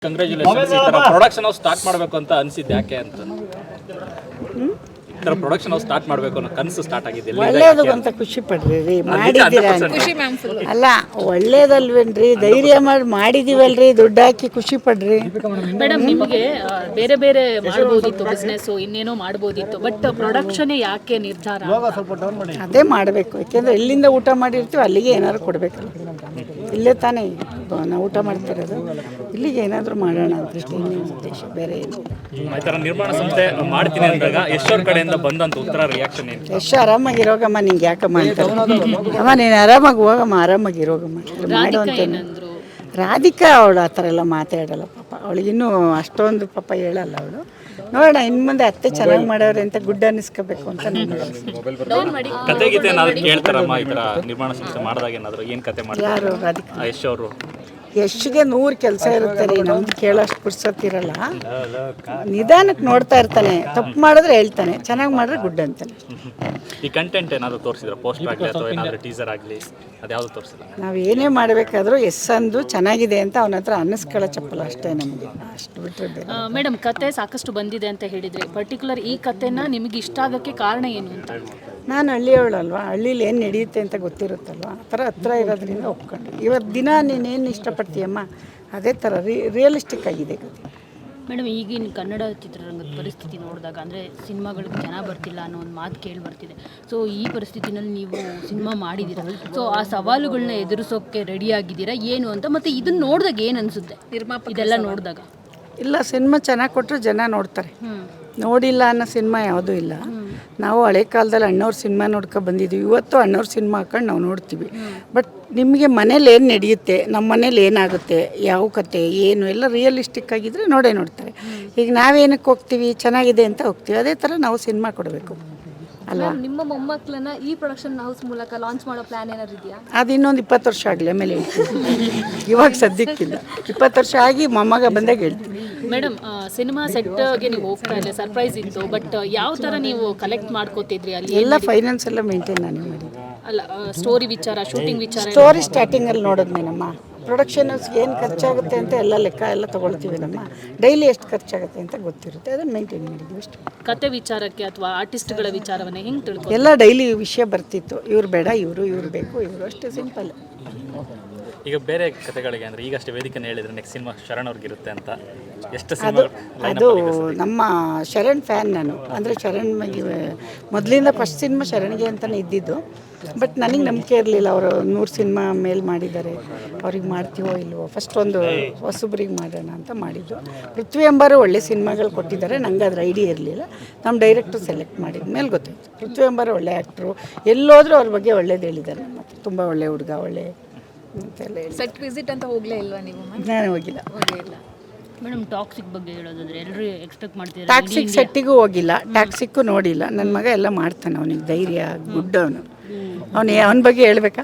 Congratulations. ಈ ಥರ production house start ಮಾಡಬೇಕು ಅಂತ ಅನಿಸಿದ್ದು ಯಾಕೆ ಅಂತ? ಈ ಥರ ಪ್ರೊಡಕ್ಷನ್ ಹೌಸ್ ಸ್ಟಾರ್ಟ್ ಮಾಡಬೇಕು ಅನ್ನೋ ಕನಸು ಸ್ಟಾರ್ಟ್ ಆಗಿದೆ. ಒಳ್ಳೇದು ಅಂತ ಖುಷಿ ಪಡ್ರಿ ರೀ, ಮಾಡಿದ್ದೀರಾ ಅಲ್ಲ ಒಳ್ಳೇದಲ್ವೇನ್ರಿ, ಧೈರ್ಯ ಮಾಡಿದೀವಲ್ರಿ, ದುಡ್ಡು ಹಾಕಿ ಖುಷಿ ಪಡ್ರಿ. ಮೇಡಮ್, ನಿಮಗೆ ಬೇರೆ ಬೇರೆ ಮಾಡ್ಬೋದಿತ್ತು, ಬಿಸ್ನೆಸ್ ಇನ್ನೇನೋ ಮಾಡ್ಬೋದಿತ್ತು, ಬಟ್ ಪ್ರೊಡಕ್ಷನ್ ಯಾಕೆ ನಿರ್ಧಾರ? ಅದೇ ಮಾಡಬೇಕು, ಯಾಕೆಂದ್ರೆ ಎಲ್ಲಿಂದ ಊಟ ಮಾಡಿರ್ತೀವಿ ಅಲ್ಲಿಗೆ ಏನಾದ್ರು ಕೊಡಬೇಕಲ್ಲ. ಇಲ್ಲೇ ತಾನೇ ನಾವು ಊಟ ಮಾಡ್ತಿರೋದು, ಇಲ್ಲಿಗೆ ಏನಾದರೂ ಮಾಡೋಣ ಅಂತ ಇನ್ನೇನು ಉದ್ದೇಶ, ಬೇರೆ ಏನು. ಈ ಥರ ನಿರ್ಮಾಣ ಸಂಸ್ಥೆ ಮಾಡ್ತೀನಿ ಅಂದಾಗ ಎಷ್ಟೋರ್ ಕಡೆಯಿಂದ ಬಂದಂತ ಉತ್ತರ ರಿಯಾಕ್ಷನ್ ಏನು? ಎಷ್ಟು ಆರಾಮಾಗಿರೋಗಮ್ಮ, ನಿಂಗೆ ಯಾಕಮ್ಮ ಅಂತಾರೆ. ಅಮ್ಮ ನೀನು ಆರಾಮಾಗಿ ಹೋಗಮ್ಮ, ಆರಾಮಾಗಿರೋಗಮ್ಮ ಮಾಡು ಅಂತೇನು. ರಾಧಿಕಾ ಅವಳು ಆ ಥರ ಎಲ್ಲ ಮಾತಾಡಲ್ಲ ಪಾಪ, ಅವಳಿಗಿನ್ನೂ ಅಷ್ಟೊಂದು ಪಾಪ ಹೇಳಲ್ಲ ಅವಳು. ನೋಡೋಣ ಇನ್ನು ಮುಂದೆ ಅತ್ತೆ ಚೆನ್ನಾಗಿ ಮಾಡೋರೆ ಅಂತ ಗುಡ್ ಅನ್ನಿಸ್ಕೋಬೇಕು ಅಂತ ಕತೆ ಗೀತೆ ಏನಾದ್ರು ಕೇಳ್ತಾರಮ್ಮ? ಈ ಥರ ನಿರ್ಮಾಣ ಸಂಸ್ಥೆ ಮಾಡಿದಾಗ ಏನಾದ್ರು ಏನು ಕತೆ ಮಾಡ್ತಾರೆ? ಯಾರು ರಾಧಿಕಾ? ಯಶ್ ಅವರು. ಯಶ್ಗೆ 100 ಕೆಲಸ ಇರುತ್ತೆ ರೀ, ನಮ್ದು ಕೇಳೋಷ್ಟು ಪುರ್ಸತ್ತಿರಲ್ಲ. ನಿಧಾನಕ್ಕೆ ನೋಡ್ತಾ ಇರ್ತಾನೆ, ತಪ್ಪು ಮಾಡಿದ್ರೆ ಹೇಳ್ತಾನೆ, ಚೆನ್ನಾಗಿ ಮಾಡಿದ್ರೆ ಗುಡ್ ಅಂತಾನೆ. ಈ ಕಂಟೆಂಟ್ ಏನಾದರೂ ತೋರಿಸಿದ್ರೆ, ಪೋಸ್ಟ್ ಆಗಲಿ ಅಥವಾ ಏನಾದರೂ ಟೀಸರ್ ಆಗಲಿ, ಅದ್ಯಾವುದು ತೋರಿಸಿಲ್ಲ? ನಾವು ಏನೇ ಮಾಡಬೇಕಾದ್ರೂ ಅಂದು ಚೆನ್ನಾಗಿದೆ ಅಂತ ಅವನ ಹತ್ರ ಅನ್ನಿಸ್ಕೊಳ್ಳೋ ಚಪ್ಪಲ ಅಷ್ಟೇ ನಮಗೆ, ಅಷ್ಟು ಬಿಟ್ಟರೆ. ಮೇಡಮ್, ಕತೆ ಸಾಕಷ್ಟು ಬಂದಿದೆ ಅಂತ ಹೇಳಿದ್ರಿ, ಪರ್ಟಿಕ್ಯುಲರ್ ಈ ಕತೆನ ನಿಮಗೆ ಇಷ್ಟ ಆಗೋಕ್ಕೆ ಕಾರಣ ಏನು ಅಂತ? ನಾನು ಹಳ್ಳಿಯವಳಲ್ವಾ, ಹಳ್ಳೀಲಿ ಏನು ನಡೆಯುತ್ತೆ ಅಂತ ಗೊತ್ತಿರುತ್ತಲ್ವ, ಆ ಥರ ಹತ್ರ ಇರೋದ್ರಿಂದ ಒಪ್ಕೊಂಡು. ಇವತ್ತು ದಿನ ನೀನೇನು ಇಷ್ಟಪಡ್ತೀಯಮ್ಮ, ಅದೇ ಥರ ರಿಯಲಿಸ್ಟಿಕ್ ಆಗಿದೆ ಕತೆ. ಮೇಡಮ್, ಈಗಿನ ಕನ್ನಡ ಚಿತ್ರರಂಗದ ಪರಿಸ್ಥಿತಿ ನೋಡಿದಾಗ, ಅಂದರೆ ಸಿನಿಮಾಗಳಿಗೆ ಜನ ಬರ್ತಿಲ್ಲ ಅನ್ನೋ ಒಂದು ಮಾತು ಕೇಳಿ ಬರ್ತಿದೆ. ಸೊ ಈ ಪರಿಸ್ಥಿತಿನಲ್ಲಿ ನೀವು ಸಿನಿಮಾ ಮಾಡಿದ್ದೀರಾ, ಸೊ ಆ ಸವಾಲುಗಳನ್ನ ಎದುರಿಸೋಕ್ಕೆ ರೆಡಿ ಆಗಿದ್ದೀರಾ ಏನು ಅಂತ? ಮತ್ತು ಇದನ್ನು ನೋಡಿದಾಗ ಏನು ಅನಿಸುತ್ತೆ ಇದೆಲ್ಲ ನೋಡಿದಾಗ? ಇಲ್ಲ, ಸಿನಿಮಾ ಚೆನ್ನಾಗಿ ಕೊಟ್ಟರೆ ಜನ ನೋಡ್ತಾರೆ, ನೋಡಿಲ್ಲ ಅನ್ನೋ ಸಿನಿಮಾ ಯಾವುದೂ ಇಲ್ಲ. ನಾವು ಹಳೆ ಕಾಲದಲ್ಲಿ ಅಣ್ಣವ್ರ ಸಿನಿಮಾ ನೋಡ್ಕೊಂಡು ಬಂದಿದ್ದೀವಿ, ಇವತ್ತು ಅಣ್ಣವ್ರ ಸಿನಿಮಾ ಹಾಕೊಂಡು ನಾವು ನೋಡ್ತೀವಿ. ಬಟ್ ನಿಮಗೆ ಮನೇಲಿ ಏನು ನಡೆಯುತ್ತೆ, ನಮ್ಮ ಮನೇಲಿ ಏನಾಗುತ್ತೆ, ಯಾವ ಕತೆ ಏನು ಎಲ್ಲ ರಿಯಲಿಸ್ಟಿಕ್ ಆಗಿದ್ದರೆ ನೋಡ್ತಾರೆ. ಈಗ ನಾವೇನಕ್ಕೆ ಹೋಗ್ತೀವಿ, ಚೆನ್ನಾಗಿದೆ ಅಂತ ಹೋಗ್ತೀವಿ, ಅದೇ ಥರ ನಾವು ಸಿನಿಮಾ ಕೊಡಬೇಕು ಅಲ್ವಾ? ನಿಮ್ಮ ಮೊಮ್ಮಕ್ಕಳನ್ನ ಈ ಪ್ರೊಡಕ್ಷನ್ ಹೌಸ್ ಮೂಲಕ ಲಾಂಚ್ ಮಾಡೋ ಪ್ಲಾನ್ ಏನಾದ್ರು ಇದೆಯಾ? ಅದು ಇನ್ನೊಂದು 20 ವರ್ಷ ಆಗಲಿ, ಆಮೇಲೆ ಹೇಳ್ತೀವಿ. ಇವಾಗ ಸದ್ಯಕ್ಕಿಲ್ಲ, 20 ವರ್ಷ ಆಗಿ ಮೊಮ್ಮಗ ಬಂದಾಗ ಹೇಳ್ತೀವಿ. ಮೇಡಮ್, ಸಿನಿಮಾ ಸೆಟ್ಗೆ ನೀವು ಹೋಗ್ತಾ ಇಲ್ಲ, ಸರ್ಪ್ರೈಸ್ ಇತ್ತು, ಬಟ್ ಯಾವ ಥರ ನೀವು ಕಲೆಕ್ಟ್ ಮಾಡ್ಕೋತಿದ್ರಿ ಅಲ್ಲಿ? ಎಲ್ಲ ಫೈನಾನ್ಸ್ ಎಲ್ಲ ಮೇಂಟೈನ್ ನಾನೇ ಮಾಡಿದ್ದೆ. ಅಲ್ಲ, ಸ್ಟೋರಿ ವಿಚಾರ, ಶೂಟಿಂಗ್ ವಿಚಾರ, ಸ್ಟೋರಿ ಸ್ಟಾರ್ಟಿಂಗಲ್ಲಿ ನೋಡಿದ್ಮೇನಮ್ಮ, ಪ್ರೊಡಕ್ಷನ್ಸ್ಗೆ ಏನು ಖರ್ಚಾಗುತ್ತೆ ಅಂತ ಎಲ್ಲ ಲೆಕ್ಕ ಎಲ್ಲ ತೊಗೊಳ್ತೀವಿ. ನಮ್ಮ ಡೈಲಿ ಎಷ್ಟು ಖರ್ಚಾಗುತ್ತೆ ಅಂತ ಗೊತ್ತಿರುತ್ತೆ, ಅದನ್ನು ಮೇಂಟೈನ್ ಮಾಡಿದ್ವಿ ಅಷ್ಟು. ಕತೆ ವಿಚಾರಕ್ಕೆ ಅಥವಾ ಆರ್ಟಿಸ್ಟ್ಗಳ ವಿಚಾರವನ್ನು ಹೆಂಗೆ ತಿಳ್ಕೊ? ಎಲ್ಲ ಡೈಲಿ ವಿಷಯ ಬರ್ತಿತ್ತು, ಇವ್ರು ಬೇಡ, ಇವ್ರು ಬೇಕು, ಇವರು ಅಷ್ಟೇ, ಸಿಂಪಲ್. ಈಗ ಬೇರೆ ಕತೆಗಳಿಗೆ ಅಂದರೆ ಈಗಷ್ಟೇ ವೇದಿಕೆನ ಹೇಳಿದ್ರೆ ನೆಕ್ಸ್ಟ್ ಸಿನಿಮಾ ಶರಣ್ ಅವ್ರಿಗಿರುತ್ತೆ ಅಂತ, ಎಷ್ಟು ಸಿನಿಮಾ? ಅದು ನಮ್ಮ ಶರಣ್ ಫ್ಯಾನ್ ನಾನು, ಅಂದರೆ ಶರಣ್ ಮೊದಲಿಂದ ಫಸ್ಟ್ ಸಿನಿಮಾ ಶರಣ್ಗೆ ಅಂತಲೇ ಇದ್ದಿದ್ದು. ಬಟ್ ನನಗೆ ನಂಬಿಕೆ ಇರಲಿಲ್ಲ, ಅವರು 100 ಸಿನಿಮಾ ಮೇಲೆ ಮಾಡಿದ್ದಾರೆ, ಅವ್ರಿಗೆ ಮಾಡ್ತೀವೋ ಇಲ್ವೋ. ಫಸ್ಟ್ ಒಂದು ಹೊಸಬ್ರಿಗೆ ಮಾಡೋಣ ಅಂತ ಮಾಡಿದ್ದು. ಪೃಥ್ವಿ ಎಂಬರು ಒಳ್ಳೆ ಸಿನಿಮಾಗಳು ಕೊಟ್ಟಿದ್ದಾರೆ, ನಂಗೆ ಅದ್ರ ಐಡಿಯಾ ಇರಲಿಲ್ಲ. ನಮ್ಮ ಡೈರೆಕ್ಟ್ರು ಸೆಲೆಕ್ಟ್ ಮಾಡಿದ ಮೇಲೆ ಗೊತ್ತಾಯಿತು. ಪೃಥ್ವಿ ಎಂಬರು ಒಳ್ಳೆ ಆ್ಯಕ್ಟ್ರು, ಎಲ್ಲೋದ್ರೂ ಅವ್ರ ಬಗ್ಗೆ ಒಳ್ಳೇದು ಹೇಳಿದ್ದಾರೆ. ಮತ್ತು ತುಂಬ ಒಳ್ಳೆ ಹುಡುಗ, ಒಳ್ಳೆ ಅಂತೆಲ್ಲ ಹೇಳಿ. ಸೆಟ್ ವಿಸಿಟ್ ಅಂತ ಹೋಗಲೇ ಇಲ್ವಾ ನೀವು? ನಾನು ಹೋಗಿಲ್ಲ. ಮೇಡಮ್, ಟಾಕ್ಸಿಕ್ ಬಗ್ಗೆ ಹೇಳೋದಾದ್ರೆ ಎಲ್ಲರೂ ಎಕ್ಸ್ಪೆಕ್ಟ್ ಮಾಡ್ತಿದ್ದಾರೆ. ಟಾಕ್ಸಿಕ್ ಸೆಟ್ಟಿಗೂ ಹೋಗಿಲ್ಲ, ಟಾಕ್ಸಿಕ್ಕು ನೋಡಿಲ್ಲ. ನನ್ನ ಮಗ ಎಲ್ಲ ಮಾಡ್ತಾನೆ, ಅವನಿಗೆ ಧೈರ್ಯ, ಗುಡ್ ಅವನು. ಅವನ ಬಗ್ಗೆ ಹೇಳ್ಬೇಕಾ?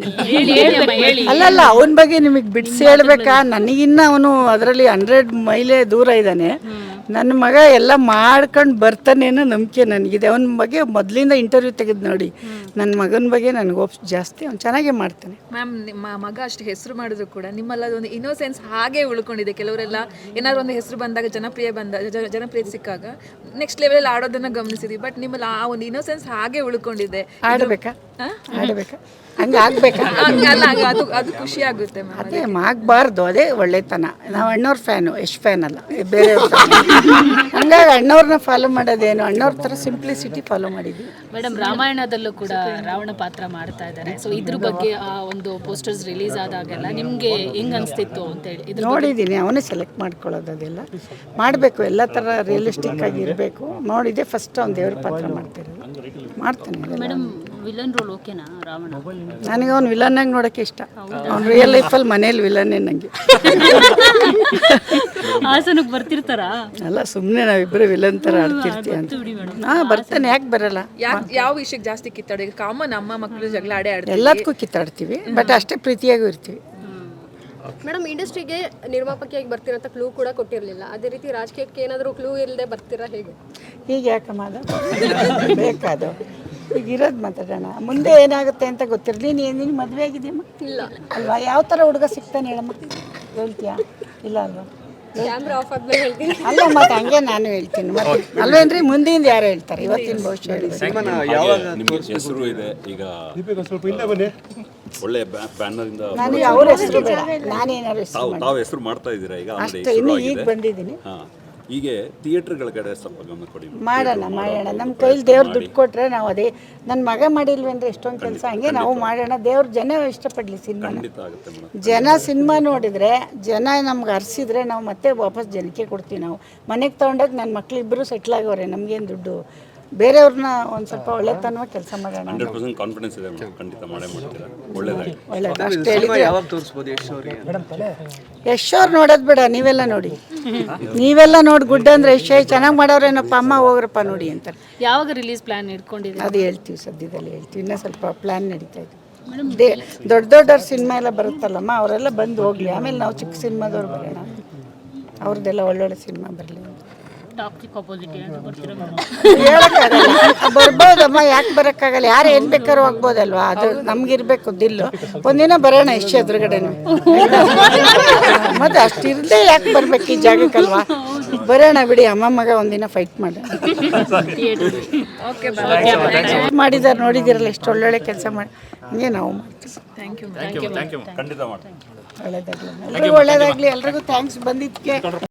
ಅಲ್ಲಲ್ಲ, ಅವನ ಬಗ್ಗೆ ನಿಮಗೆ ಬಿಡಿಸಿ ಹೇಳ್ಬೇಕಾ? ನನಗಿನ್ನ ಅವನು ಅದರಲ್ಲಿ 100 ಮೈಲೇ ದೂರ ಇದ್ದಾನೆ. ನನ್ನ ಮಗ ಎಲ್ಲ ಮಾಡ್ಕೊಂಡು ಬರ್ತಾನೇನೋ ನಂಬಿಕೆ ನನಗಿದೆ. ಅವನ ಬಗ್ಗೆ ಮೊದಲಿಂದ ಇಂಟರ್ವ್ಯೂ ತೆಗೆದು ನೋಡಿ, ನನ್ನ ಮಗನ ಬಗ್ಗೆ ನನಗೆ ಹೋಪ್ಸ್ ಜಾಸ್ತಿ. ಅವ್ನು ಚೆನ್ನಾಗೇ ಮಾಡ್ತಾನೆ. ಮ್ಯಾಮ್, ನಿಮ್ಮ ಮಗ ಅಷ್ಟು ಹೆಸರು ಮಾಡಿದ್ರು ಕೂಡ ನಿಮ್ಮಲ್ಲ ಒಂದು ಇನ್ನೋಸೆನ್ಸ್ ಹಾಗೆ ಉಳ್ಕೊಂಡಿದೆ. ಕೆಲವರೆಲ್ಲ ಏನಾದ್ರು ಒಂದು ಹೆಸರು ಬಂದಾಗ, ಜನಪ್ರಿಯತೆ ಸಿಕ್ಕಾಗ ನೆಕ್ಸ್ಟ್ ಲೆವೆಲ್ ಆಡೋದನ್ನ ಗಮನಿಸಿದ್ವಿ. ಬಟ್ ನಿಮ್ಮಲ್ಲಿ ಆ ಒಂದು ಇನ್ನೋಸೆನ್ಸ್ ಹಾಗೆ ಉಳ್ಕೊಂಡಿದೆ. ಆಡಬೇಕಾ? ಹಂಗೆ ಆಗ್ಬೇಕಾ? ಅದು ಖುಷಿ ಆಗುತ್ತೆ ಮ್ಯಾಮ್. ಅದೇ ಆಗಬಾರ್ದು, ಅದೇ ಒಳ್ಳೆತನ. ನಾವು ಅಣ್ಣವ್ರ ಫ್ಯಾನು, ಯಶ್ ಫ್ಯಾನ್ ಅಲ್ಲ, ಬೇರೆ. ಹಂಗಾಗಿ ಅಣ್ಣವ್ರನ್ನ ಫಾಲೋ ಮಾಡೋದೇನು, ಅಣ್ಣವ್ರ ಥರ ಸಿಂಪ್ಲಿಸಿಟಿ ಫಾಲೋ ಮಾಡಿದ್ವಿ. ಮೇಡಮ್, ರಾಮಾಯಣದಲ್ಲೂ ಕೂಡ ರಾವಣ ಪಾತ್ರ ಮಾಡ್ತಾ ಇದ್ದಾರೆ. ಸೊ ಇದ್ರ ಬಗ್ಗೆ ಆ ಒಂದು ಪೋಸ್ಟರ್ಸ್ ರಿಲೀಸ್ ಆದಾಗೆಲ್ಲ ನಿಮಗೆ ಹೆಂಗೆ ಅನಿಸ್ತಿತ್ತು ಅಂತೇಳಿ ನೋಡಿದ್ದೀನಿ. ಅವನೇ ಸೆಲೆಕ್ಟ್ ಮಾಡ್ಕೊಳ್ಳೋದು, ಅದೆಲ್ಲ ಮಾಡಬೇಕು, ಎಲ್ಲ ಥರ ರಿಯಲಿಸ್ಟಿಕ್ ಆಗಿ ಇರಬೇಕು. ನೋಡಿದೆ ಫಸ್ಟ್ ಅವ್ನು ದೇವ್ರ ಪಾತ್ರ ಮಾಡ್ತಿರೋದು, ಮಾಡ್ತಾನೆ. ಮೇಡಮ್, ವಿಲನ್ ರೋಲ್ ಓಕೆನಾ ರಾವಣ? ನನಗೆ ಅವ್ನು ವಿಲನ್ನಾಗಿ ನೋಡೋಕ್ಕೆ ಇಷ್ಟ. ಅವ್ನು ರಿಯಲ್ ಲೈಫಲ್ಲಿ ಮನೇಲಿ ವಿಲನ್ನೇ ನನಗೆ. ಹಾಸನಕ್ಕೆ ಬರ್ತಿರ್ತಾರಾ? ಅಲ್ಲ, ಸುಮ್ಮನೆ ನಾವಿಬ್ಬರು ವಿಲನ್ ಥರ ಆಡ್ತಿರ್ತೀವಿ ಅಂತ. ಬರ್ತಾನೆ, ಯಾಕೆ ಬರಲ್ಲ? ಯಾವ ವಿಷಯಕ್ಕೆ ಜಾಸ್ತಿ ಕಿತ್ತಾಡೋದು? ಕಾಮನ್, ಅಮ್ಮ ಮಕ್ಕಳು ಜಗಳ ಆಡ್ತೀವಿ, ಎಲ್ಲದಕ್ಕೂ ಕಿತ್ತಾಡ್ತೀವಿ, ಬಟ್ ಅಷ್ಟೇ ಪ್ರೀತಿಯಾಗೂ ಇರ್ತೀವಿ. ಮೇಡಮ್, ಇಂಡಸ್ಟ್ರಿಗೆ ನಿರ್ಮಾಪಕಿಯಾಗಿ ಬರ್ತಿರೋಂಥ ಕ್ಲೂ ಕೂಡ ಕೊಟ್ಟಿರಲಿಲ್ಲ. ಅದೇ ರೀತಿ ರಾಜಕೀಯಕ್ಕೆ ಏನಾದರೂ ಕ್ಲೂ ಇಲ್ಲದೆ ಬರ್ತೀರಾ ಹೇಗೆ? ಈಗ ಯಾಕಮ್ಮ ಬೇಕಾದ ಈಗ ಇರೋದು ಮಾತಾಡೋಣ, ಮುಂದೆ ಏನಾಗುತ್ತೆ ಅಂತ ಗೊತ್ತಿರಲಿ. ನೀನು ಮದುವೆ ಆಗಿದೆಯಮ್ಮ? ಇಲ್ಲ. ಅಲ್ವಾ? ಯಾವ ಥರ ಹುಡುಗ ಸಿಗ್ತಾನೆ ಹೇಳಮ್ಮ, ಹೇಳ್ತೀಯಾ? ಇಲ್ಲ ಅಲ್ವಾ? ಕ್ಯಾಮ್ರಾ ಆಫ್ ಆದ್ಮೇಲೆ ಹೇಳ್ತೀನಿ. ಅಲ್ಲ ಮತ್ತು ಹಂಗೆ ನಾನು ಹೇಳ್ತೀನಿ ಮತ್ತೆ ಅಲ್ವೇನ್ರಿ, ಮುಂದಿಂದ ಯಾರು ಹೇಳ್ತಾರೆ, ಇವತ್ತಿನ ಭವಿಷ್ಯ ಹೇಳಿ. ನಿಮಗೆ ಹೆಸರು ಇದೆ ಈಗ, ಒಳ್ಳೆ ಬ್ಯಾನರ್ ಇಂದ ನನಗೆ ಅವ್ರ ಹೆಸರು ಬೇಡ, ನಾನೇನಾದ್ರು ಹೆಸರು ತಾವು ಹೆಸರು ಮಾಡ್ತಾ ಇದ್ದೀರಾ ಈಗ, ಆಲ್ರೆಡಿ ಅಷ್ಟೇ, ಇನ್ನು ಈಗ ಬಂದಿದ್ದೀನಿ. ಹಾಂ, ಹೀಗೆ ಥಿಯೇಟರ್ಗಳ ಕಡೆ ಸ್ವಲ್ಪ ಗಮನ ಕೊಡಿ. ಮಾಡೋಣ ನಮ್ಮ ಕೈಲಿ ದೇವ್ರು ದುಡ್ಡು ಕೊಟ್ಟರೆ ನಾವು ಅದೇ, ನನ್ನ ಮಗ ಮಾಡಿಲ್ವೇಂದ್ರೆ ಎಷ್ಟೊಂದು ಕೆಲಸ, ಹಂಗೆ ನಾವು ಮಾಡೋಣ. ದೇವ್ರು ಜನ ಇಷ್ಟಪಡಲಿ ಸಿನಿಮಾ. ಖಂಡಿತ ಆಗುತ್ತೆ ಮೇಡಮ್. ಜನ ಸಿನಿಮಾ ನೋಡಿದರೆ, ಜನ ನಮ್ಗೆ ಹರಿಸಿದ್ರೆ ನಾವು ಮತ್ತೆ ವಾಪಸ್ ಜನಕ್ಕೆ ಕೊಡ್ತೀವಿ. ನಾವು ಮನೆಗೆ ತೊಗೊಂಡಾಗ ನನ್ನ ಮಕ್ಳು ಇಬ್ಬರು ಸೆಟ್ಲ್ ಆಗೋರೆ, ನಮಗೇನು ದುಡ್ಡು, ಬೇರೆಯವ್ರನ್ನ ಒಂದು ಸ್ವಲ್ಪ ಒಳ್ಳೆತನವಾಗಿ ಕೆಲಸ ಮಾಡೋಣ. 100% ಕಾನ್ಫಿಡೆನ್ಸ್ ಇದೆ ಮೇಡಮ್, ಖಂಡಿತ ಮಾಡೇ ಮಾಡ್ತೀರಾ. ಒಳ್ಳೇದಾಗಿ. ಒಳ್ಳೇದು ಅಷ್ಟು ಹೇಳಿದ್ರೆ ಯಶ್ ಅವ್ರು ನೋಡೋದು ಬೇಡ, ನೀವೆಲ್ಲ ನೋಡಿ, ನೀವೆಲ್ಲ ನೋಡಿ ಗುಡ್ ಅಂದರೆ ಯಶ್ ಚೆನ್ನಾಗಿ ಮಾಡೋರೇನಪ್ಪ, ಅಮ್ಮ ಹೋಗ್ರಪ್ಪ ನೋಡಿ ಅಂತಾರೆ. ಯಾವಾಗ ರಿಲೀಸ್ ಪ್ಲಾನ್ ಇಟ್ಕೊಂಡಿದ್ದೀರಿ? ಅದು ಹೇಳ್ತೀವಿ, ಸದ್ಯದಲ್ಲಿ ಹೇಳ್ತೀವಿ. ಇನ್ನೂ ಸ್ವಲ್ಪ ಪ್ಲ್ಯಾನ್ ನಡೀತಾ ಇದೆ. ದೊಡ್ಡವ್ರ ಸಿನಿಮಾ ಎಲ್ಲ ಬರುತ್ತಲ್ಲಮ್ಮ, ಅವರೆಲ್ಲ ಬಂದು ಹೋಗಲಿ, ಆಮೇಲೆ ನಾವು ಚಿಕ್ಕ ಸಿನಿಮಾದವ್ರು ಬರೋಣ, ಅವ್ರದ್ದೆಲ್ಲ ಒಳ್ಳೊಳ್ಳೆ ಸಿನಿಮಾ ಬರಲಿ ಅಂತ. ಟಾಕ್ಸಿಕ್ ಅಪೋಸಿಟ್ ಏನಾದರೂ ಬರ್ತೀರಾ? ಹೇಳೋಕ್ಕಾಗಲ್ಲ, ಬರ್ಬೋದಮ್ಮ, ಯಾಕೆ ಬರೋಕ್ಕಾಗಲ್ಲ, ಯಾರು ಏನು ಬೇಕಾದ್ರೂ ಆಗ್ಬೋದಲ್ವಾ, ಅದು ನಮಗಿರ್ಬೇಕು ದಿಲ್ಲು. ಒಂದಿನ ಬರೋಣ ಇಷ್ಟ ಎದುರುಗಡೆನು, ಮತ್ತು ಅಷ್ಟು ಇರದೆ ಯಾಕೆ ಬರ್ಬೇಕು ಈ ಜಾಗಕ್ಕಲ್ವಾ, ಬರೋಣ ಬಿಡಿ, ಅಮ್ಮ ಮಗ ಒಂದಿನ ಫೈಟ್ ಮಾಡೋಣ. ಮಾಡಿದ್ದಾರೆ ನೋಡಿದಿರಲ್ಲ, ಎಷ್ಟು ಒಳ್ಳೊಳ್ಳೆ ಕೆಲಸ ಮಾಡಿ, ಹಂಗೆ ನಾವು ಮಾಡ್ತೀವಿ. ಖಂಡಿತ ಮಾಡ್ತೀವಿ. ಒಳ್ಳೇದಾಗಲಿ, ಎಲ್ರಿಗೂ ಒಳ್ಳೇದಾಗಲಿ, ಎಲ್ರಿಗೂ ಥ್ಯಾಂಕ್ಸ್ ಬಂದಿದ್ದಕ್ಕೆ.